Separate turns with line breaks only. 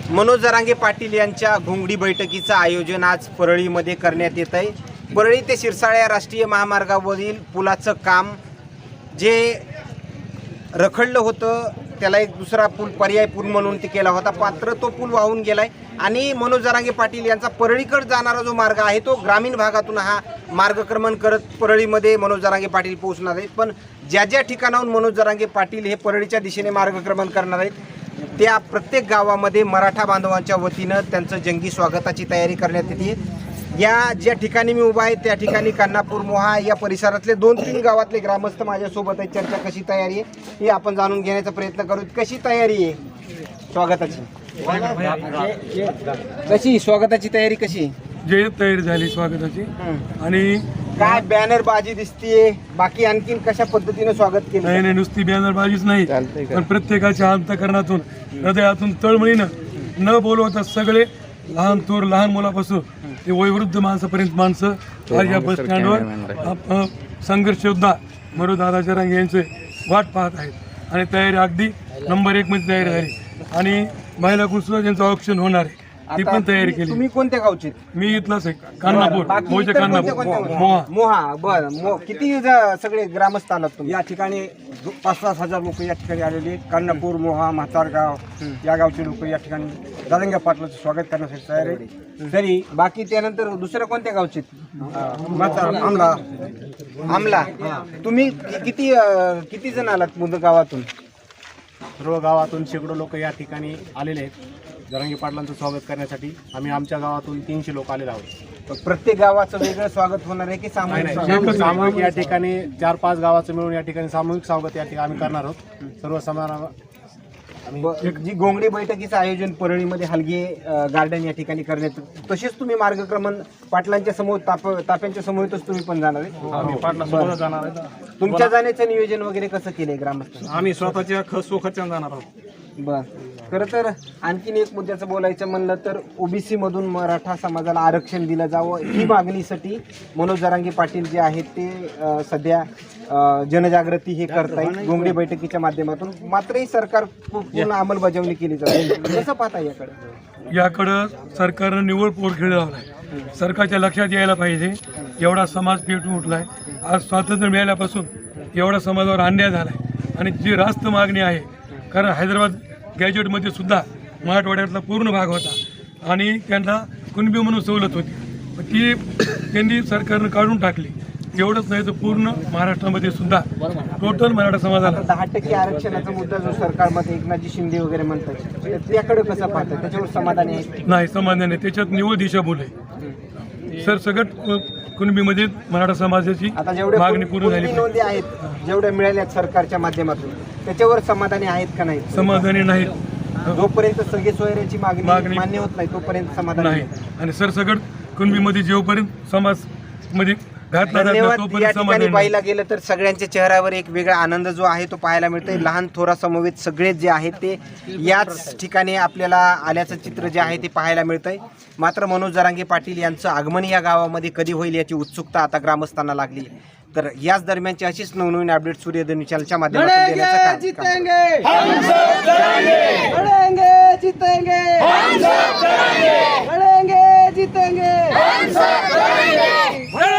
मनोज जरांगे पाटील यांच्या घोंगडी बैठकीचं आयोजन आज परळीमध्ये करण्यात येत आहे। परळी ते शिरसाळ्या राष्ट्रीय महामार्गावरील पुलाचं काम जे रखडलं होतं त्याला एक दुसरा पूल पर्याय पूल म्हणून ते केला होता, मात्र तो पूल वाहून गेलाय आणि मनोज जरांगे पाटील यांचा परळीकडे जाणारा जो मार्ग आहे तो ग्रामीण भागातून हा मार्गक्रमण करत परळीमध्ये मनोज जरांगे पाटील पोहोचणार आहेत। पण ज्या ज्या ठिकाणाहून मनोज जरांगे पाटील हे परळीच्या दिशेने मार्गक्रमण करणार आहेत त्या प्रत्येक गावामध्ये मराठा बांधवांच्या वतीनं त्यांचं जंगी स्वागताची तयारी करण्यात येते। या ज्या ठिकाणी मी उभा आहे त्या ठिकाणी कान्हापूर मोहा या परिसरातले 2-3 गावातले ग्रामस्थ माझ्यासोबत आहेत। चर्चा कशी तयारी आहे हे आपण जाणून घेण्याचा प्रयत्न करू। कशी तयारी आहे स्वागताची? कशी स्वागताची तयारी कशी?
जे तयारी झाली स्वागताची आणि
काय बॅनर बाजी दिसतीये, बाकी आणखीन कशा पद्धतीने स्वागत केलं?
नाही, नुसती बॅनर बाजीच नाही, पण प्रत्येकाच्या अंतकरणातून हृदयातून तळमळीनं न बोलवता सगळे लहान थोर लहान मुलापासून ते वयोवृद्ध माणसापर्यंत माणसं आज या बस स्टँडवर संघर्ष योद्धा मनोज दादा जरांगे यांचे वाट पाहत आहेत आणि तयारी अगदी नंबर 1 मध्ये तयारी झाली आणि महिला कुसुम यांचं ऑप्शन होणार आहे ती पण तयारी केली।
तुम्ही कोणत्या गावचे?
मी इथलाच आहे, कान्हापूर मोजे कान्हापूर मोहा
मोहा। बरं, किती सगळे ग्रामस्थ आलात तुम्ही?
या ठिकाणी 5-7 हजार लोक या ठिकाणी आलेले आहेत। कान्हापूर मोहा म्हातारगाव या गावचे लोक या ठिकाणी जरांगे पाटलाचं स्वागत करण्यासाठी तयार आहे।
तरी बाकी त्यानंतर दुसऱ्या कोणत्या गावचे? आमला। तुम्ही किती जण आलात मुद गावातून?
सर्व गावातून शेकडो लोक या ठिकाणी आलेले आहेत जरांगे पाटलांचं स्वागत करण्यासाठी। आम्ही आमच्या गावातून 300 लोक आलेले आहोत।
प्रत्येक गावाचं वेगळं स्वागत होणार आहे की सामूहिक?
सामूहिक या ठिकाणी 4-5 गावाचं मिळून या ठिकाणी सामूहिक स्वागत या ठिकाणी आम्ही करणार आहोत। सर्व समारंभ
जी घोंगडी बैठकीचं आयोजन परळीमध्ये हलगे गार्डन या ठिकाणी करण्यात, तसेच तुम्ही मार्गक्रमण पाटलांच्या समोर ताप्यांच्या समोरच तुम्ही पण जाणार आहे?
जाणार आहे।
तुमच्या जाण्याचं नियोजन वगैरे कसं केलंय ग्रामस्थ?
आम्ही स्वतःच्या खर्चाने जाणार आहोत।
बर, खरं तर आणखीन एक मुद्द्याचं बोलायचं म्हणलं तर ओबीसी मधून मराठा समाजाला आरक्षण दिलं जावं ही मागणीसाठी मनोज जरांगे पाटील जे आहेत ते सध्या जनजागृती हे करतायत घोंगडी बैठकीच्या माध्यमातून, मात्र ही सरकार पूर्ण अंमलबजावणी केली जाते। कसं पाहता
याकडं सरकारनं निव्वळ पोट खेळ लावलाय। सरकारच्या लक्षात यायला पाहिजे एवढा समाज पेटून उठलाय। आज स्वातंत्र्य मिळाल्यापासून एवढा समाजावर अन्याय झालाय आणि जी रास्त मागणी आहे, कारण हैदराबाद गॅजेटमध्ये सुद्धा मराठवाड्यातला पूर्ण भाग होता आणि त्यांना कुणबी म्हणून सवलत होती, ती त्यांनी सरकारनं काढून टाकली। एवढंच नाही तर पूर्ण महाराष्ट्रामध्ये सुद्धा टोटल मराठा समाजाला
10% आरक्षणाचा मुद्दा जो सरकारमध्ये एकनाथजी शिंदे वगैरे म्हणतात त्याकडे कसं पाहतात? त्याच्यावर समाधानी आहे?
नाही, समाधान नाही, त्याच्यात निव्वळ दिशाभूल आहे। सर सगळं कुणबीमध्ये मराठा समाजाची
आता जेवढे
मागणी पूर्ण झाली
नोंदी आहेत जेवढ्या मिळाल्या सरकारच्या माध्यमातून त्याच्यावर समाधानी आहेत का नाही?
समाधानी नाही।
जोपर्यंत सगळे सोयऱ्याची मागणी मान्य होत नाही तोपर्यंत समाधान
नाही। आणि सर सगळं कुणबीमध्ये जेवपर्यंत समाज मध्ये
धन्यवाद। या ठिकाणी पाहायला गेलं तर सगळ्यांच्या चेहऱ्यावर एक वेगळा आनंद जो आहे तो पाहायला मिळतोय। लहान थोरा समवेत सगळे जे आहेत ते याच ठिकाणी आपल्याला आल्याचं चित्र जे आहे ते पाहायला मिळतंय। मात्र मनोज जरांगे पाटील यांचं आगमन या गावामध्ये कधी होईल याची उत्सुकता आता ग्रामस्थांना लागली। तर याच दरम्यानची अशीच नवनवीन अपडेट सूर्यधन चॅनलच्या माध्यमातून देण्याचं काम